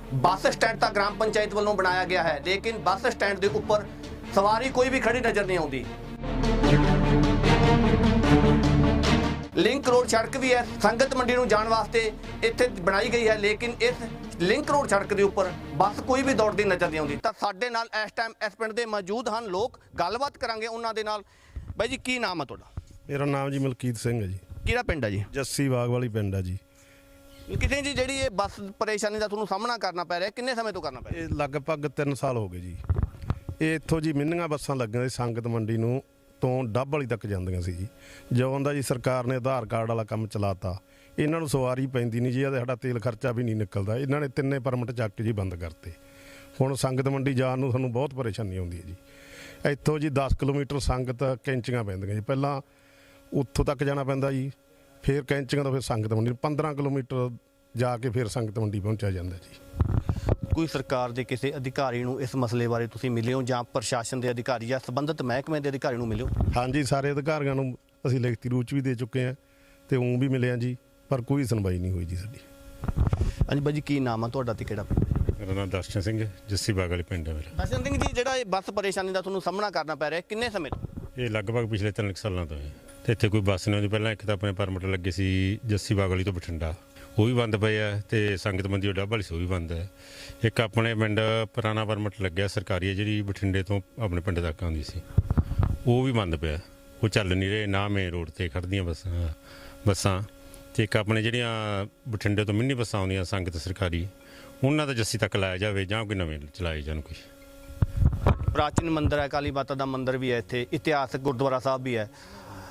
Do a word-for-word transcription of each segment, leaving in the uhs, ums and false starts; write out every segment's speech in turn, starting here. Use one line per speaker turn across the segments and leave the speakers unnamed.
ਬੱਸ stand ਤਾਂ ਗ੍ਰਾਮ ਪੰਚਾਇਤ ਵੱਲੋਂ ਬਣਾਇਆ ਗਿਆ ਹੈ, ਲੇਕਿਨ ਬੱਸ ਸਟੈਂਡ ਦੇ ਉੱਪਰ ਸਵਾਰੀ ਕੋਈ ਵੀ ਖੜੀ ਨਜ਼ਰ ਨਹੀਂ ਆਉਂਦੀ। ਲਿੰਕ ਰੋਡ ਸੜਕ ਵੀ ਹੈ, ਸੰਗਤ ਮੰਡੀ ਨੂੰ ਜਾਣ ਵਾਸਤੇ ਇੱਥੇ ਬਣਾਈ ਗਈ ਹੈ, ਲੇਕਿਨ ਇਸ ਲਿੰਕ ਰੋਡ ਸੜਕ ਦੇ ਉੱਪਰ ਬੱਸ ਕੋਈ ਵੀ ਦੌੜਦੀ ਨਜ਼ਰ ਨਹੀਂ ਆਉਂਦੀ। ਤਾਂ ਸਾਡੇ ਨਾਲ ਇਸ ਟਾਈਮ ਇਸ ਪਿੰਡ ਦੇ ਮੌਜੂਦ ਹਨ ਲੋਕ, ਗੱਲਬਾਤ ਕਰਾਂਗੇ ਉਹਨਾਂ ਦੇ ਨਾਲ। ਬਾਈ ਜੀ, ਕੀ ਨਾਮ ਹੈ ਤੁਹਾਡਾ?
ਮੇਰਾ ਨਾਮ ਜੀ ਮਲਕੀਤ ਸਿੰਘ ਹੈ ਜੀ।
ਕਿਹੜਾ ਪਿੰਡ ਹੈ ਜੀ?
ਜੱਸੀ ਬਾਗ ਵਾਲੀ ਪਿੰਡ ਹੈ ਜੀ।
ਕਿਸੇ ਜੀ ਜਿਹੜੀ ਇਹ ਬੱਸ ਪਰੇਸ਼ਾਨੀ ਦਾ ਤੁਹਾਨੂੰ ਸਾਹਮਣਾ ਕਰਨਾ ਪੈ ਰਿਹਾ, ਕਿੰਨੇ ਸਮੇਂ ਤੋਂ ਕਰਨਾ ਪੈ ਰਿਹਾ?
ਇਹ ਲਗਭਗ ਤਿੰਨ ਸਾਲ ਹੋ ਗਏ ਜੀ। ਇਹ ਇੱਥੋਂ ਜੀ ਮਿੰਨੀਆਂ ਬੱਸਾਂ ਲੱਗੀਆਂ ਸੀ ਸੰਗਤ ਮੰਡੀ ਨੂੰ ਤੋਂ ਡੱਬ ਵਾਲੀ ਤੱਕ ਜਾਂਦੀਆਂ ਸੀ ਜੀ। ਜਦੋਂ ਦਾ ਜੀ ਸਰਕਾਰ ਨੇ ਆਧਾਰ ਕਾਰਡ ਵਾਲਾ ਕੰਮ ਚਲਾਤਾ, ਇਹਨਾਂ ਨੂੰ ਸਵਾਰੀ ਪੈਂਦੀ ਨਹੀਂ ਜੀ, ਇਹਦਾ ਸਾਡਾ ਤੇਲ ਖਰਚਾ ਵੀ ਨਹੀਂ ਨਿਕਲਦਾ। ਇਹਨਾਂ ਨੇ ਤਿੰਨੇ ਪਰਮਿਟ ਚੱਕ ਕੇ ਜੀ ਬੰਦ ਕਰਤੇ। ਹੁਣ ਸੰਗਤ ਮੰਡੀ ਜਾਣ ਨੂੰ ਸਾਨੂੰ ਬਹੁਤ ਪਰੇਸ਼ਾਨੀ ਆਉਂਦੀ ਹੈ ਜੀ। ਇੱਥੋਂ ਜੀ ਦਸ ਕਿਲੋਮੀਟਰ ਸੰਗਤ ਕੈਂਚੀਆਂ ਪੈਂਦੀਆਂ ਜੀ, ਪਹਿਲਾਂ ਉੱਥੋਂ ਤੱਕ ਜਾਣਾ ਪੈਂਦਾ ਜੀ, ਫਿਰ ਕੈਂਚੀਆਂ ਤੋਂ ਫਿਰ ਸੰਗਤ ਮੰਡੀ ਪੰਦਰਾਂ ਕਿਲੋਮੀਟਰ ਜਾ ਕੇ ਫਿਰ ਸੰਗਤ ਮੰਡੀ ਪਹੁੰਚਿਆ ਜਾਂਦਾ ਜੀ।
ਕੋਈ ਸਰਕਾਰ ਦੇ ਕਿਸੇ ਅਧਿਕਾਰੀ ਨੂੰ ਇਸ ਮਸਲੇ ਬਾਰੇ ਤੁਸੀਂ ਮਿਲੇ ਹੋ, ਜਾਂ ਪ੍ਰਸ਼ਾਸਨ ਦੇ ਅਧਿਕਾਰੀ ਜਾਂ ਸੰਬੰਧਿਤ ਮਹਿਕਮੇ ਦੇ ਅਧਿਕਾਰੀ ਨੂੰ ਮਿਲੇ ਹੋ?
ਹਾਂਜੀ, ਸਾਰੇ ਅਧਿਕਾਰੀਆਂ ਨੂੰ ਅਸੀਂ ਲਿਖਤੀ ਰੂਪ 'ਚ ਵੀ ਦੇ ਚੁੱਕੇ ਹਾਂ ਤੇ ਊਂ ਵੀ ਮਿਲੇ ਹਾਂ ਜੀ, ਪਰ ਕੋਈ ਸੁਣਵਾਈ ਨਹੀਂ ਹੋਈ ਜੀ ਸਾਡੀ।
ਹਾਂਜੀ ਬਾਈ ਜੀ, ਕੀ ਨਾਮ ਆ ਤੁਹਾਡਾ ਤੇ ਕਿਹੜਾ ਪਿੰਡ?
ਮੇਰਾ ਨਾਮ ਦਰਸ਼ਨ ਸਿੰਘ ਹੈ, ਜੱਸੀ ਬਾਗ ਵਾਲੀ ਪਿੰਡ ਹੈ ਮੇਰਾ।
ਦਰਸ਼ਨ ਸਿੰਘ ਜੀ, ਜਿਹੜਾ ਇਹ ਬੱਸ ਪਰੇਸ਼ਾਨੀ ਦਾ ਤੁਹਾਨੂੰ ਸਾਹਮਣਾ ਕਰਨਾ ਪੈ ਰਿਹਾ, ਕਿੰਨੇ ਸਮੇਂ ਤੋਂ?
ਇਹ ਲਗਭਗ ਪਿਛਲੇ ਤਿੰਨ ਕੁ ਸਾਲਾਂ ਤੋਂ ਹੈ ਤੇ ਇੱਥੇ ਕੋਈ ਬੱਸ ਨਹੀਂ ਆਉਂਦੀ। ਪਹਿਲਾਂ ਇੱਕ ਤਾਂ ਆਪਣੇ ਪਰਮਿਟ ਲੱਗੇ ਸੀ ਜੱਸੀ ਬਾਗ ਵਾਲੀ ਤੋਂ ਬਠਿੰਡਾ, ਉਹ ਵੀ ਬੰਦ ਪਏ ਆ, ਤੇ ਸੰਗਤ ਮੰਡੀ ਡੱਬ ਵਾਲੀ ਸੀ ਉਹ ਵੀ ਬੰਦ ਹੈ। ਇੱਕ ਆਪਣੇ ਪਿੰਡ ਪੁਰਾਣਾ ਪਰਮਿਟ ਲੱਗਿਆ ਸਰਕਾਰੀ, ਜਿਹੜੀ ਬਠਿੰਡੇ ਤੋਂ ਆਪਣੇ ਪਿੰਡ ਤੱਕ ਆਉਂਦੀ ਸੀ, ਉਹ ਵੀ ਬੰਦ ਪਿਆ, ਉਹ ਚੱਲ ਨਹੀਂ ਰਹੇ। ਨਾ ਮੇਨ ਰੋਡ ਤੇ ਖੜ੍ਹਦੀਆਂ ਬੱਸਾਂ ਬੱਸਾਂ ਤੇ ਇੱਕ ਆਪਣੇ ਜਿਹੜੀਆਂ ਬਠਿੰਡੇ ਤੋਂ ਮਿੰਨੀ ਬੱਸਾਂ ਆਉਂਦੀਆਂ ਸੰਗਤ ਸਰਕਾਰੀ, ਉਹਨਾਂ ਦਾ ਜੱਸੀ ਤੱਕ ਲਾਇਆ ਜਾਵੇ ਜਾਂ ਕੋਈ ਨਵੇਂ ਚਲਾਏ ਜਾਣ। ਕੋਈ
ਪ੍ਰਾਚੀਨ ਮੰਦਿਰ ਹੈ, ਕਾਲੀ ਮਾਤਾ ਦਾ ਮੰਦਿਰ ਵੀ ਹੈ ਇੱਥੇ, ਇਤਿਹਾਸਕ ਗੁਰਦੁਆਰਾ ਸਾਹਿਬ ਵੀ ਹੈ,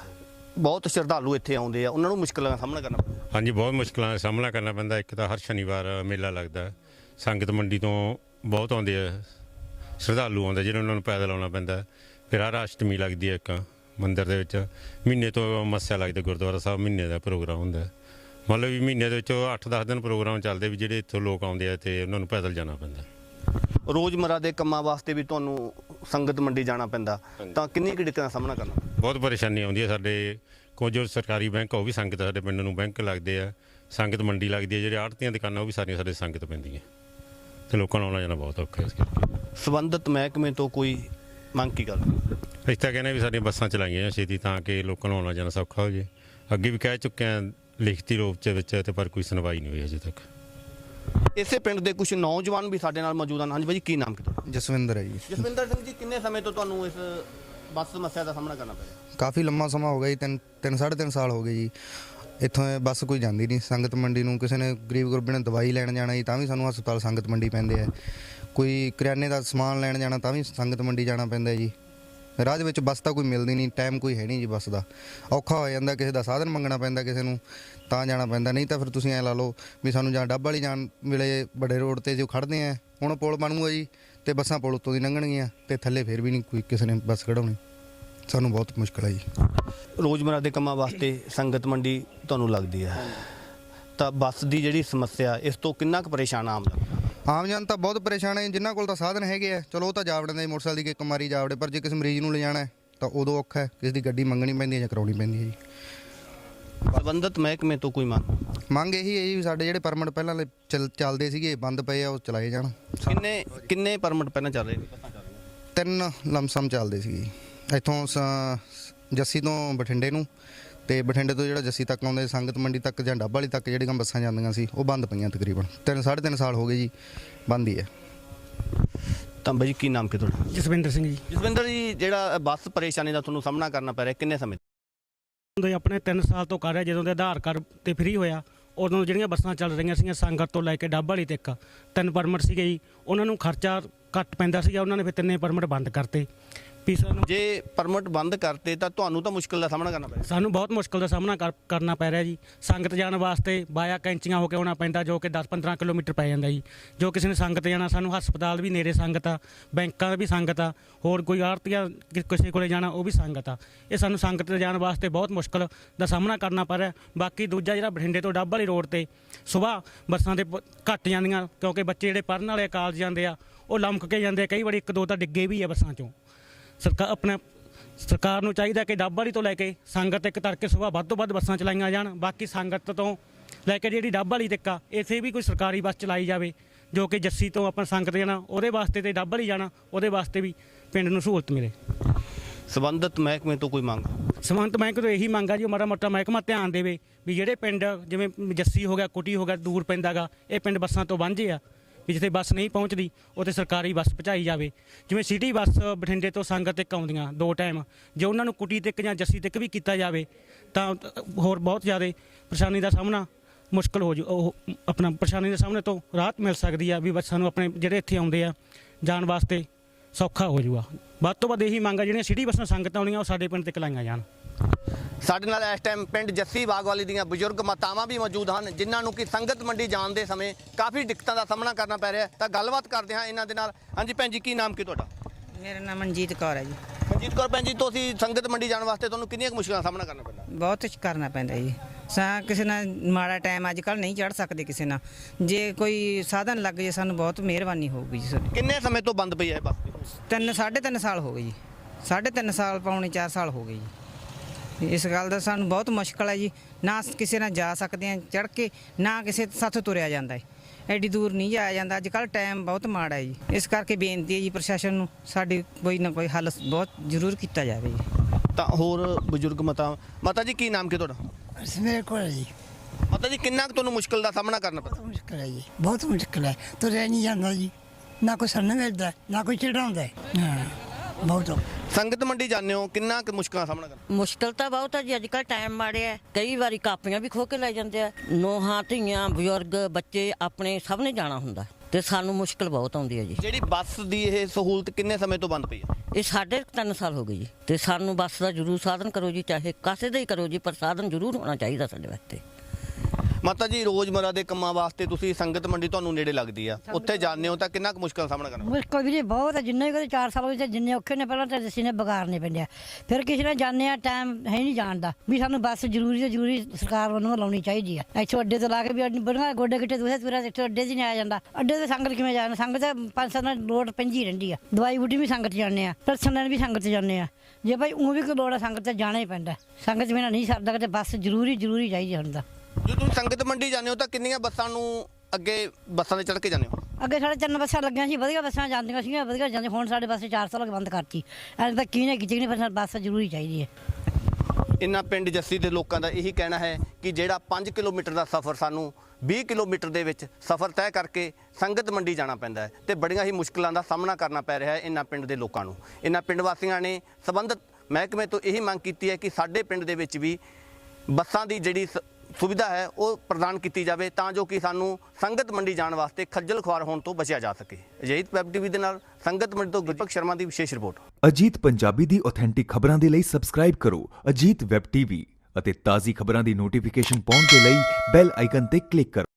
ਬਹੁਤ ਸ਼ਰਧਾਲੂ ਇੱਥੇ ਆਉਂਦੇ ਆ, ਉਹਨਾਂ ਨੂੰ ਮੁਸ਼ਕਲਾਂ ਦਾ ਸਾਹਮਣਾ ਕਰਨਾ ਪੈਂਦਾ।
ਹਾਂਜੀ, ਬਹੁਤ ਮੁਸ਼ਕਲਾਂ ਦਾ ਸਾਹਮਣਾ ਕਰਨਾ ਪੈਂਦਾ। ਇੱਕ ਤਾਂ ਹਰ ਸ਼ਨੀਵਾਰ ਮੇਲਾ ਲੱਗਦਾ, ਸੰਗਤ ਮੰਡੀ ਤੋਂ ਬਹੁਤ ਆਉਂਦੇ ਆ ਸ਼ਰਧਾਲੂ ਆਉਂਦੇ, ਜਿਹਨਾਂ ਉਹਨਾਂ ਨੂੰ ਪੈਦਲ ਆਉਣਾ ਪੈਂਦਾ। ਫਿਰ ਹਰ ਅਸ਼ਟਮੀ ਲੱਗਦੀ ਹੈ ਇੱਕ ਮੰਦਿਰ ਦੇ ਵਿੱਚ, ਮਹੀਨੇ ਤੋਂ ਮੱਸਿਆ ਲੱਗਦਾ ਗੁਰਦੁਆਰਾ ਸਾਹਿਬ, ਮਹੀਨੇ ਦਾ ਪ੍ਰੋਗਰਾਮ ਹੁੰਦਾ। ਮਤਲਬ ਵੀ ਮਹੀਨੇ ਦੇ ਵਿੱਚੋਂ ਅੱਠ ਦਸ ਦਿਨ ਪ੍ਰੋਗਰਾਮ ਚੱਲਦੇ ਵੀ ਜਿਹੜੇ ਇੱਥੋਂ ਲੋਕ ਆਉਂਦੇ ਆ ਤੇ ਉਹਨਾਂ ਨੂੰ ਪੈਦਲ ਜਾਣਾ ਪੈਂਦਾ।
ਰੋਜ਼ਮਰਾ ਦੇ ਕੰਮਾਂ ਵਾਸਤੇ ਵੀ ਤੁਹਾਨੂੰ ਸੰਗਤ ਮੰਡੀ ਜਾਣਾ ਪੈਂਦਾ, ਤਾਂ ਕਿੰਨੀ ਕੁ ਦਿੱਕਤਾਂ ਦਾ ਸਾਹਮਣਾ ਕਰਨਾ?
ਬਹੁਤ ਪਰੇਸ਼ਾਨੀ ਆਉਂਦੀ ਹੈ। ਸਾਡੇ ਕੁਝ ਜੋ ਸਰਕਾਰੀ ਬੈਂਕ ਉਹ ਵੀ ਸੰਗਤ, ਸਾਡੇ ਪਿੰਡ ਨੂੰ ਬੈਂਕ ਲੱਗਦੇ ਆ, ਸੰਗਤ ਮੰਡੀ ਲੱਗਦੀ ਹੈ, ਜਿਹੜੇ ਆੜ੍ਹਤੀਆਂ ਦੁਕਾਨਾਂ ਉਹ ਵੀ ਸਾਰੀਆਂ ਸਾਡੇ ਸੰਗਤ ਪੈਂਦੀਆਂ, ਤੇ ਲੋਕਾਂ ਨੂੰ ਆਉਣਾ ਜਾਣਾ ਬਹੁਤ ਔਖਾ ਇਸ ਕਰਕੇ।
ਸੰਬੰਧਿਤ ਮਹਿਕਮੇ ਤੋਂ ਕੋਈ ਮੰਗ ਕੀ ਗੱਲ?
ਅਸੀਂ ਤਾਂ ਕਹਿੰਦੇ ਵੀ ਸਾਡੀਆਂ ਬੱਸਾਂ ਚਲਾਈਆਂ ਛੇਤੀ, ਤਾਂ ਕਿ ਲੋਕਾਂ ਨੂੰ ਆਉਣਾ ਜਾਣਾ ਸੌਖਾ ਹੋ ਜੇ। ਅੱਗੇ ਵੀ ਕਹਿ ਚੁੱਕੇ ਹਾਂ ਲਿਖਤੀ ਰੂਪ 'ਚ ਵਿੱਚ, ਤੇ ਪਰ ਕੋਈ ਸੁਣਵਾਈ ਨਹੀਂ ਹੋਈ ਅਜੇ ਤੱਕ।
ਇਸੇ ਪਿੰਡ ਦੇ ਕੁਝ ਨੌਜਵਾਨ ਵੀ ਸਾਡੇ ਨਾਲ ਮੌਜੂਦ ਹਨ। ਹਾਂਜੀ ਬਾਈ ਜੀ, ਕੀ ਨਾਮ ਕਿਤਾ?
ਜਸਵਿੰਦਰ ਹੈ ਜੀ।
ਜਸਵਿੰਦਰ ਸਿੰਘ ਜੀ, ਕਿੰਨੇ ਸਮੇਂ ਤੋਂ ਤੁਹਾਨੂੰ ਇਸ ਬੱਸ ਸਮੱਸਿਆ ਦਾ ਸਾਹਮਣਾ ਕਰਨਾ ਪੈ ਰਿਹਾ?
ਕਾਫੀ ਲੰਮਾ ਸਮਾਂ ਹੋ ਗਿਆ ਜੀ, ਤਿੰਨ ਤਿੰਨ ਸਾਢੇ ਤਿੰਨ ਸਾਲ ਹੋ ਗਏ ਜੀ। ਇੱਥੋਂ ਇਹ ਬੱਸ ਕੋਈ ਜਾਂਦੀ ਨਹੀਂ ਸੰਗਤ ਮੰਡੀ ਨੂੰ। ਕਿਸੇ ਨੇ ਗਰੀਬ ਗੁਰਬੇ ਨੇ ਦਵਾਈ ਲੈਣ ਜਾਣਾ ਜੀ, ਤਾਂ ਵੀ ਸਾਨੂੰ ਹਸਪਤਾਲ ਸੰਗਤ ਮੰਡੀ ਪੈਂਦੇ ਆ। ਕੋਈ ਕਰਿਆਨੇ ਦਾ ਸਮਾਨ ਲੈਣ ਜਾਣਾ ਤਾਂ ਵੀ ਸੰਗਤ ਮੰਡੀ ਜਾਣਾ ਪੈਂਦਾ ਜੀ। ਰਾਹ ਦੇ ਵਿੱਚ ਬੱਸ ਤਾਂ ਕੋਈ ਮਿਲਦੀ ਨਹੀਂ, ਟਾਈਮ ਕੋਈ ਹੈ ਨਹੀਂ ਜੀ ਬੱਸ ਦਾ, ਔਖਾ ਹੋ ਜਾਂਦਾ। ਕਿਸੇ ਦਾ ਸਾਧਨ ਮੰਗਣਾ ਪੈਂਦਾ ਕਿਸੇ ਨੂੰ, ਤਾਂ ਜਾਣਾ ਪੈਂਦਾ। ਨਹੀਂ ਤਾਂ ਫਿਰ ਤੁਸੀਂ ਐਂ ਲਾ ਲਓ ਵੀ ਸਾਨੂੰ ਜਾਂ ਡੱਬ ਵਾਲੀ ਜਾਣ ਵੇਲੇ ਵੱਡੇ ਰੋਡ 'ਤੇ ਜੋ ਖੜ੍ਹਦੇ ਆ, ਹੁਣ ਪੁਲ ਬਣੂਗਾ ਜੀ, ਅਤੇ ਬੱਸਾਂ ਪੁਲ ਉੱਤੋਂ ਦੀ ਲੰਘਣਗੀਆਂ, ਅਤੇ ਥੱਲੇ ਫਿਰ ਵੀ ਨਹੀਂ ਕੋਈ ਕਿਸੇ ਨੇ ਬੱਸ ਖੜਾਉਣੀ। ਸਾਨੂੰ ਬਹੁਤ ਮੁਸ਼ਕਿਲ ਹੈ ਜੀ।
ਰੋਜ਼ਮਰਾ ਦੇ ਕੰਮਾਂ ਵਾਸਤੇ ਸੰਗਤ ਮੰਡੀ ਤੁਹਾਨੂੰ ਲੱਗਦੀ ਹੈ, ਤਾਂ ਬੱਸ ਦੀ ਜਿਹੜੀ ਸਮੱਸਿਆ, ਇਸ ਤੋਂ ਕਿੰਨਾ ਕੁ ਪਰੇਸ਼ਾਨ ਆਮ ਜਨਤਾ?
ਆਮ ਜਨਤਾ ਬਹੁਤ ਪਰੇਸ਼ਾਨ ਹੈ। ਜਿਨ੍ਹਾਂ ਕੋਲ ਤਾਂ ਸਾਧਨ ਹੈਗੇ ਆ, ਚਲੋ ਉਹ ਤਾਂ ਜਾ ਵੜਦੇ ਮੋਟਰਸਾਈਕਲ ਦੀ ਇੱਕ ਮਾਰੀ ਜਾ ਵੜੇ, ਪਰ ਜੇ ਕਿਸੇ ਮਰੀਜ਼ ਨੂੰ ਲਿਜਾਣਾ ਹੈ ਤਾਂ ਉਦੋਂ ਔਖਾ ਹੈ। ਕਿਸੇ ਦੀ ਗੱਡੀ ਮੰਗਣੀ ਪੈਂਦੀ ਹੈ ਜਾਂ ਕਰਾਉਣੀ ਪੈਂਦੀ ਹੈ ਜੀ।
ਸੰਬੰਧਿਤ ਮਹਿਕਮੇ ਤੋਂ ਕੋਈ ਮੰਗ?
ਮੰਗ ਇਹੀ ਹੈ ਜੀ, ਸਾਡੇ ਜਿਹੜੇ ਪਰਮਿਟ ਪਹਿਲਾਂ ਵਾਲੇ ਚੱਲ ਚੱਲਦੇ ਸੀਗੇ ਬੰਦ ਪਏ ਆ, ਉਹ ਚਲਾਏ ਜਾਣ।
ਕਿੰਨੇ ਕਿੰਨੇ ਪਰਮਿਟ ਪਹਿਲਾਂ ਚੱਲ ਰਹੇ ਨੇ?
ਤਿੰਨ ਲਮਸਮ ਚੱਲਦੇ ਸੀਗੇ ਇੱਥੋਂ ਸ- ਜੱਸੀ ਤੋਂ ਬਠਿੰਡੇ ਨੂੰ, ਅਤੇ ਬਠਿੰਡੇ ਤੋਂ ਜਿਹੜਾ ਜੱਸੀ ਤੱਕ ਆਉਂਦੇ ਸੰਗਤ ਮੰਡੀ ਤੱਕ ਜਾਂ ਡੱਬ ਵਾਲੀ ਤੱਕ ਜਿਹੜੀਆਂ ਬੱਸਾਂ ਜਾਂਦੀਆਂ ਸੀ, ਉਹ ਬੰਦ ਪਈਆਂ ਤਕਰੀਬਨ ਤਿੰਨ ਸਾਢੇ ਤਿੰਨ ਸਾਲ ਹੋ ਗਏ ਜੀ, ਬੰਦ ਹੀ ਹੈ।
ਤਾਂ ਬਾਈ ਜੀ, ਕੀ ਨਾਮ ਕਿ ਤੁਹਾਡਾ?
ਜਸਵਿੰਦਰ ਸਿੰਘ ਜੀ।
ਜਸਵਿੰਦਰ ਜੀ, ਜਿਹੜਾ ਬੱਸ ਪਰੇਸ਼ਾਨੀ ਦਾ ਤੁਹਾਨੂੰ ਸਾਹਮਣਾ ਕਰਨਾ ਪੈ ਰਿਹਾ, ਕਿੰਨੇ ਸਮੇਂ?
ਦੇ ਆਪਣੇ ਤਿੰਨ ਸਾਲ ਤੋਂ ਕਰ ਰਿਹਾ। ਜਦੋਂ ਦੇ ਆਧਾਰ ਕਾਰਡ ਤੇ ਫ੍ਰੀ ਹੋਇਆ, ਉਦੋਂ ਜਿਹੜੀਆਂ ਬੱਸਾਂ ਚੱਲ ਰਹੀਆਂ ਸੀਗੀਆਂ ਸੰਗਤ ਤੋਂ ਲੈ ਕੇ ਡੱਬ ਵਾਲੀ ਤੱਕ, ਤਿੰਨ ਪਰਮਿਟ ਸੀਗੇ ਜੀ, ਉਹਨਾਂ ਨੂੰ ਖਰਚਾ ਘੱਟ ਪੈਂਦਾ ਸੀਗਾ, ਉਹਨਾਂ ਨੇ ਫਿਰ ਤਿੰਨੇ ਪਰਮਿਟ ਬੰਦ ਕਰਤੇ। ਵੀ ਸਾਨੂੰ
ਜੇ ਪਰਮਿਟ ਬੰਦ ਕਰਤੇ ਤਾਂ ਤੁਹਾਨੂੰ ਤਾਂ ਮੁਸ਼ਕਿਲ ਦਾ ਸਾਹਮਣਾ ਕਰਨਾ ਪੈ ਰਿਹਾ।
ਸਾਨੂੰ ਬਹੁਤ ਮੁਸ਼ਕਿਲ ਦਾ ਸਾਹਮਣਾ ਕਰ ਕਰਨਾ ਪੈ ਰਿਹਾ ਜੀ। ਸੰਗਤ ਜਾਣ ਵਾਸਤੇ ਬਾਇਆ ਕੈਂਚੀਆਂ ਹੋ ਕੇ ਆਉਣਾ ਪੈਂਦਾ, ਜੋ ਕਿ ਦਸ ਪੰਦਰਾਂ ਕਿਲੋਮੀਟਰ ਪੈ ਜਾਂਦਾ ਜੀ। ਜੋ ਕਿਸੇ ਨੇ ਸੰਗਤ ਜਾਣਾ, ਸਾਨੂੰ ਹਸਪਤਾਲ ਵੀ ਨੇੜੇ ਸੰਗਤ ਆ, ਬੈਂਕਾਂ ਵੀ ਸੰਗਤ ਆ, ਹੋਰ ਕੋਈ ਆੜ੍ਹਤੀਆ ਕਿਸੇ ਕੋਲੇ ਜਾਣਾ ਉਹ ਵੀ ਸੰਗਤ ਆ। ਇਹ ਸਾਨੂੰ ਸੰਗਤ ਜਾਣ ਵਾਸਤੇ ਬਹੁਤ ਮੁਸ਼ਕਿਲ ਦਾ ਸਾਹਮਣਾ ਕਰਨਾ ਪੈ ਰਿਹਾ। ਬਾਕੀ ਦੂਜਾ ਜਿਹੜਾ ਬਠਿੰਡੇ ਤੋਂ ਡੱਬ ਵਾਲੀ ਰੋਡ 'ਤੇ ਸੁਬਾਹ ਬੱਸਾਂ ਦੇ ਘੱਟ ਜਾਂਦੀਆਂ, ਕਿਉਂਕਿ ਬੱਚੇ ਜਿਹੜੇ ਪੜ੍ਹਨ ਵਾਲੇ ਕਾਲਜ ਜਾਂਦੇ ਆ, ਉਹ ਲੰਮਕ ਕੇ ਜਾਂਦੇ ਆ, ਕਈ ਵਾਰੀ ਇੱਕ ਦੋ ਤਾਂ ਡਿੱਗੇ ਵੀ ਆ ਬੱਸਾਂ 'ਚੋਂ। ਸਰਕਾਰ ਆਪਣਾ ਸਰਕਾਰ ਨੂੰ ਚਾਹੀਦਾ ਕਿ ਡੱਬ ਵਾਲੀ ਤੋਂ ਲੈ ਕੇ ਸੰਗਤ ਤੱਕ ਤੜਕੇ ਸੁਬਾਹ ਵੱਧ ਤੋਂ ਵੱਧ ਬੱਸਾਂ ਚਲਾਈਆਂ ਜਾਣ। ਬਾਕੀ ਸੰਗਤ ਤੋਂ ਲੈ ਕੇ ਜਿਹੜੀ ਡੱਬ ਵਾਲੀ ਤੱਕ ਆ, ਇੱਥੇ ਵੀ ਕੋਈ ਸਰਕਾਰੀ ਬੱਸ ਚਲਾਈ ਜਾਵੇ ਜੋ ਕਿ ਜੱਸੀ ਤੋਂ ਆਪਾਂ ਸੰਗਤ ਜਾਣਾ ਉਹਦੇ ਵਾਸਤੇ ਤੇ ਡੱਬ ਵਾਲੀ ਜਾਣਾ ਉਹਦੇ ਵਾਸਤੇ ਵੀ ਪਿੰਡ ਨੂੰ ਸਹੂਲਤ ਮਿਲੇ।
ਸੰਬੰਧਿਤ ਮਹਿਕਮੇ ਤੋਂ ਕੋਈ ਮੰਗ?
ਸਮਾਨਤ ਮਹਿਕਮੇ ਤੋਂ ਇਹੀ ਮੰਗਾ ਜੀ ਮਾੜਾ ਮੋਟਾ ਮਹਿਕਮਾ ਧਿਆਨ ਦੇਵੇ ਵੀ ਜਿਹੜੇ ਪਿੰਡ ਜਿਵੇਂ ਜੱਸੀ ਹੋ ਗਿਆ, ਕੁਟੀ ਹੋ ਗਿਆ, ਦੂਰ ਪੈਂਦਾਗਾ, ਇਹ ਪਿੰਡ ਬੱਸਾਂ ਤੋਂ ਵਾਂਝੇ ਆ ਵੀ ਜਿੱਥੇ ਬੱਸ ਨਹੀਂ ਪਹੁੰਚਦੀ ਉੱਥੇ ਸਰਕਾਰੀ ਬੱਸ ਪਹੁੰਚਾਈ ਜਾਵੇ। ਜਿਵੇਂ ਸਿਟੀ ਬੱਸ ਬਠਿੰਡੇ ਤੋਂ ਸੰਗਤ ਤੱਕ ਆਉਂਦੀਆਂ ਦੋ ਟਾਈਮ, ਜੇ ਉਹਨਾਂ ਨੂੰ ਕੁਟੀ ਤੱਕ ਜਾਂ ਜੱਸੀ ਤੱਕ ਵੀ ਕੀਤਾ ਜਾਵੇ ਤਾਂ ਹੋਰ ਬਹੁਤ ਜ਼ਿਆਦਾ ਪਰੇਸ਼ਾਨੀ ਦਾ ਸਾਹਮਣਾ ਮੁਸ਼ਕਲ ਹੋ ਜੂ ਉਹ ਆਪਣਾ ਪਰੇਸ਼ਾਨੀ ਦੇ ਸਾਹਮਣੇ ਤੋਂ ਰਾਹਤ ਮਿਲ ਸਕਦੀ ਆ ਵੀ ਬੱਸਾਂ ਨੂੰ ਆਪਣੇ ਜਿਹੜੇ ਇੱਥੇ ਆਉਂਦੇ ਆ ਜਾਣ ਵਾਸਤੇ ਸੌਖਾ ਹੋ ਜੂਗਾ। ਵੱਧ ਤੋਂ ਵੱਧ ਇਹੀ ਮੰਗ ਆ ਜਿਹੜੀਆਂ ਸਿਟੀ ਬੱਸਾਂ ਸੰਗਤ ਆਉਣੀਆਂ ਉਹ ਸਾਡੇ ਪਿੰਡ ਤੱਕ ਲਾਈਆਂ ਜਾਣ।
ਸਾਡੇ ਨਾਲ ਇਸ ਟਾਈਮ ਪਿੰਡ ਜੱਸੀ ਬਾਗਵਾਲੀ ਦੀਆਂ ਬਜ਼ੁਰਗ ਮਾਤਾਵਾਂ ਵੀ ਮੌਜੂਦ ਹਨ ਜਿਨ੍ਹਾਂ ਨੂੰ ਕਿ ਸੰਗਤ ਮੰਡੀ ਜਾਣ ਦੇ ਸਮੇਂ ਕਾਫੀ ਦਿੱਕਤਾਂ ਦਾ ਸਾਹਮਣਾ ਕਰਨਾ ਪੈ ਰਿਹਾ ਹੈ। ਤਾਂ ਗੱਲਬਾਤ ਕਰਦੇ ਹਾਂ ਇਹਨਾਂ ਦੇ ਨਾਲ। ਹਾਂਜੀ ਭੈਣ ਜੀ, ਕੀ ਨਾਮ ਕੀ ਤੁਹਾਡਾ?
ਮੇਰਾ ਨਾਮ ਮਨਜੀਤ ਕੌਰ ਹੈ ਜੀ।
ਮਨਜੀਤ ਕੌਰ ਭੈਣ ਜੀ, ਤੁਸੀਂ ਸੰਗਤ ਮੰਡੀ ਜਾਣ ਵਾਸਤੇ ਤੁਹਾਨੂੰ ਕਿੰਨੀਆਂ ਕੁ ਮੁਸ਼ਕਲਾਂ ਦਾ ਸਾਹਮਣਾ ਕਰਨਾ ਪੈਂਦਾ?
ਬਹੁਤ ਕੁਛ ਕਰਨਾ ਪੈਂਦਾ ਜੀ। ਸਾ ਕਿਸੇ ਨਾਲ ਮਾੜਾ ਟਾਈਮ ਅੱਜ ਕੱਲ੍ਹ ਨਹੀਂ ਚੜ੍ਹ ਸਕਦੇ ਕਿਸੇ ਨਾਲ, ਜੇ ਕੋਈ ਸਾਧਨ ਲੱਗ ਜੇ ਸਾਨੂੰ ਬਹੁਤ ਮਿਹਰਬਾਨੀ ਹੋਊਗੀ ਜੀ ਤੁਹਾਡੀ।
ਕਿੰਨੇ ਸਮੇਂ ਤੋਂ ਬੰਦ ਪਈ ਹੈ ਇਹ ਬੱਸ?
ਤਿੰਨ ਸਾਢੇ ਤਿੰਨ ਸਾਲ ਹੋ ਗਏ ਜੀ, ਸਾਢੇ ਤਿੰਨ ਸਾਲ ਪੌਣੇ ਚਾਰ ਸਾਲ ਹੋ ਗਏ ਜੀ। ਇਸ ਗੱਲ ਦਾ ਸਾਨੂੰ ਬਹੁਤ ਮੁਸ਼ਕਲ ਹੈ ਜੀ, ਨਾ ਕਿਸੇ ਨਾਲ ਜਾ ਸਕਦੇ ਹਾਂ ਚੜ੍ਹ ਕੇ, ਨਾ ਕਿਸੇ ਸਾਥੋਂ ਤੁਰਿਆ ਜਾਂਦਾ ਹੈ, ਐਡੀ ਦੂਰ ਨਹੀਂ ਜਾਇਆ ਜਾਂਦਾ। ਅੱਜ ਕੱਲ੍ਹ ਟਾਈਮ ਬਹੁਤ ਮਾੜਾ ਹੈ ਜੀ, ਇਸ ਕਰਕੇ ਬੇਨਤੀ ਹੈ ਜੀ ਪ੍ਰਸ਼ਾਸਨ ਨੂੰ ਸਾਡੀ ਕੋਈ ਨਾ ਕੋਈ ਹੱਲ ਬਹੁਤ ਜ਼ਰੂਰ ਕੀਤਾ ਜਾਵੇ ਜੀ।
ਤਾਂ ਹੋਰ ਬਜ਼ੁਰਗ ਮਾਤਾ ਮਾਤਾ ਜੀ, ਕੀ ਨਾਮ ਕੀ ਤੁਹਾਡਾ?
ਮੇਰੇ ਕੋਲ ਹੈ ਜੀ।
ਮਾਤਾ ਜੀ, ਕਿੰਨਾ ਕੁ ਤੁਹਾਨੂੰ ਮੁਸ਼ਕਲ ਦਾ ਸਾਹਮਣਾ ਕਰਨਾ ਪੈਂਦਾ?
ਬਹੁਤ ਮੁਸ਼ਕਿਲ ਹੈ ਜੀ, ਬਹੁਤ ਮੁਸ਼ਕਿਲ ਹੈ। ਤੁਰਿਆ ਨਹੀਂ ਜਾਂਦਾ ਜੀ, ਨਾ ਕੋਈ ਸਾਨੂੰ ਮਿਲਦਾ, ਨਾ ਕੋਈ ਚੜਾਉਂਦਾ। ਹਾਂ, ਬਹੁਤ
ਸੰਗਤ ਮੰਡੀ ਜਾਂਦੇ ਹੋ, ਕਿੰਨਾ ਕੁ ਮੁਸ਼ਕਲਾਂ ਦਾ ਸਾਹਮਣਾ ਕਰਨਾ?
ਮੁਸ਼ਕਲ ਤਾਂ ਬਹੁਤ ਹੈ ਜੀ, ਅੱਜ ਕੱਲ੍ਹ ਟਾਈਮ ਮਾੜੇ ਹੈ। ਕਈ ਵਾਰੀ ਕਾਪੀਆਂ ਵੀ ਖੋ ਕੇ ਲੈ ਜਾਂਦੇ ਆ। ਨੋਹਾਂ ਧੀਆਂ ਬਜ਼ੁਰਗ ਬੱਚੇ ਆਪਣੇ ਸਭ ਨੇ ਜਾਣਾ ਹੁੰਦਾ ਤੇ ਸਾਨੂੰ ਮੁਸ਼ਕਲ ਬਹੁਤ ਆਉਂਦੀ ਹੈ ਜੀ।
ਜਿਹੜੀ ਬੱਸ ਦੀ ਇਹ ਸਹੂਲਤ ਕਿੰਨੇ ਸਮੇਂ ਤੋਂ ਬੰਦ ਪਈ ਹੈ?
ਇਹ ਸਾਢੇ ਤਿੰਨ ਸਾਲ ਹੋ ਗਏ ਜੀ ਤੇ ਸਾਨੂੰ ਬੱਸ ਦਾ ਜ਼ਰੂਰ ਸਾਧਨ ਕਰੋ ਜੀ, ਚਾਹੇ ਕਾਸੇ ਦਾ ਹੀ ਕਰੋ ਜੀ, ਪਰ ਸਾਧਨ ਜ਼ਰੂਰ ਹੋਣਾ ਚਾਹੀਦਾ ਸਾਡੇ ਵਾਸਤੇ।
ਮਾਤਾ ਜੀ, ਰੋਜ਼ਮਰਾ ਦੇ ਕੰਮਾਂ ਵਾਸਤੇ ਤੁਸੀਂ ਸੰਗਤ ਮੰਡੀ ਤੁਹਾਨੂੰ ਨੇੜੇ ਲੱਗਦੀ ਆ, ਉੱਥੇ ਜਾਂਦੇ ਹੋ ਤਾਂ ਕਿੰਨਾ ਕੁ ਮੁਸ਼ਕਲ ਦਾ ਸਾਹਮਣਾ ਕਰਨਾ?
ਮੁਸ਼ਕਿਲ ਵੀ ਬਹੁਤ ਹੈ। ਜਿੰਨੇ ਕਦੇ ਚਾਰ ਸਾਲ ਹੋਏ ਜਿੰਨੇ ਔਖੇ ਨੇ ਪਹਿਲਾਂ ਤਾਂ ਅਸੀਂ ਨੇ ਵਿਗਾੜਨੇ ਪੈਂਦੇ ਆ। ਫਿਰ ਕਿਸੇ ਨਾਲ ਜਾਂਦੇ ਆ, ਟਾਈਮ ਹੈ ਨਹੀਂ ਜਾਣ ਦਾ, ਵੀ ਸਾਨੂੰ ਬੱਸ ਜ਼ਰੂਰੀ ਤੇ ਜ਼ਰੂਰੀ ਸਰਕਾਰ ਵੱਲੋਂ ਲਾਉਣੀ ਚਾਹੀਦੀ ਆ। ਇੱਥੋਂ ਅੱਡੇ ਤੋਂ ਲਾ ਕੇ ਵੀ ਬੜੀਆਂ ਗੋਡੇ ਗਿੱਟੇ ਦੂਸਰੇ ਤੁਰਿਆ ਇੱਥੋਂ ਅੱਡੇ 'ਚ ਨਹੀਂ ਆਇਆ ਜਾਂਦਾ। ਅੱਡੇ ਤੇ ਸੰਗਤ ਕਿਵੇਂ ਜਾਣਾ? ਸੰਗਤ ਪੰਜ ਸੱਤ ਨਾਲ ਲੋੜ ਪੈਂਦੀ ਰਹਿੰਦੀ ਆ। ਦਵਾਈ ਬੂਟੀ ਵੀ ਸੰਗਤ ਜਾਂਦੇ ਆ, ਦਰਸ਼ਨ ਲੈਣ ਵੀ ਸੰਗਤ ਜਾਂਦੇ ਆ। ਜੇ ਭਾਈ ਉਹ ਵੀ ਕੋਈ ਲੋੜ ਆ ਸੰਗਤ ਤੇ ਜਾਣਾ ਹੀ ਪੈਂਦਾ। ਸੰਗਤ ਬਿਨਾਂ ਨਹੀਂ ਸਰਦਾ, ਕਿਤੇ ਬੱਸ ਜ਼ਰੂਰੀ ਜ਼ਰੂਰੀ ਚਾਹੀਦੀ ਹੁੰਦਾ।
ਜੇ ਤੁਸੀਂ ਸੰਗਤ ਮੰਡੀ ਜਾਂਦੇ ਹੋ ਤਾਂ ਕਿੰਨੀਆਂ ਬੱਸਾਂ ਨੂੰ ਅੱਗੇ ਬੱਸਾਂ ਤੇ ਚੜ੍ਹ ਕੇ ਜਾਂਦੇ ਹੋ?
ਅੱਗੇ ਸਾਡੇ ਤਿੰਨ ਬੱਸਾਂ ਲੱਗੀਆਂ ਸੀ, ਵਧੀਆ ਬੱਸਾਂ ਜਾਂਦੀਆਂ ਸੀਗੀਆਂ, ਵਧੀਆ ਜਾਂਦੇ। ਹੁਣ ਸਾਡੇ ਬੱਸ ਚਾਰ ਸਾਲ ਹੋ ਗਏ ਬੰਦ ਕਰਤੀ। ਐਂ ਤਾਂ ਕੀ ਨੇ ਕੀਤੀ ਨਹੀਂ, ਪਰ ਬੱਸ ਜ਼ਰੂਰੀ ਚਾਹੀਦੀ ਹੈ।
ਇਹਨਾਂ ਪਿੰਡ ਜੱਸੀ ਦੇ ਲੋਕਾਂ ਦਾ ਇਹੀ ਕਹਿਣਾ ਹੈ ਕਿ ਜਿਹੜਾ ਪੰਜ ਕਿਲੋਮੀਟਰ ਦਾ ਸਫ਼ਰ ਸਾਨੂੰ ਵੀਹ ਕਿਲੋਮੀਟਰ ਦੇ ਵਿੱਚ ਸਫ਼ਰ ਤੈਅ ਕਰਕੇ ਸੰਗਤ ਮੰਡੀ ਜਾਣਾ ਪੈਂਦਾ ਹੈ ਤੇ ਬੜੀਆਂ ਹੀ ਮੁਸ਼ਕਲਾਂ ਦਾ ਸਾਹਮਣਾ ਕਰਨਾ ਪੈ ਰਿਹਾ ਹੈ ਇਹਨਾਂ ਪਿੰਡ ਦੇ ਲੋਕਾਂ ਨੂੰ। ਇਹਨਾਂ ਪਿੰਡ ਵਾਸੀਆਂ ਨੇ ਸੰਬੰਧਿਤ ਮਹਿਕਮੇ ਤੋਂ ਇਹੀ ਮੰਗ ਕੀਤੀ ਹੈ ਕਿ ਸਾਡੇ ਪਿੰਡ ਦੇ ਵਿੱਚ ਵੀ ਬੱਸਾਂ ਦੀ ਜਿਹੜੀ ਸੁਵਿਧਾ ਹੈ ਉਹ ਪ੍ਰਦਾਨ ਕੀਤੀ ਜਾਵੇ ਤਾਂ ਜੋ ਕਿ ਸਾਨੂੰ ਸੰਗਤ ਮੰਡੀ ਜਾਣ ਵਾਸਤੇ ਖੱਜਲ ਖੁਆਰ ਹੋਣ ਤੋਂ ਬਚਿਆ ਜਾ ਸਕੇ। ਅਜੀਤ ਵੈਬ ਟੀਵੀ ਦੇ ਨਾਲ ਸੰਗਤ ਮੰਡੀ ਤੋਂ ਗੁਰਪ੍ਰੀਤ ਸ਼ਰਮਾ ਦੀ ਵਿਸ਼ੇਸ਼ ਰਿਪੋਰਟ।
ਅਜੀਤ ਪੰਜਾਬੀ ਦੀ ਆਥੈਂਟਿਕ ਖਬਰਾਂ ਦੇ ਲਈ ਸਬਸਕ੍ਰਾਈਬ ਕਰੋ ਅਜੀਤ ਵੈਬ ਟੀਵੀ ਅਤੇ ਤਾਜ਼ੀ ਖਬਰਾਂ ਦੀ ਨੋਟੀਫਿਕੇਸ਼ਨ ਪਾਉਣ ਦੇ ਲਈ ਬੈਲ ਆਈਕਨ ਤੇ ਕਲਿੱਕ ਕਰੋ।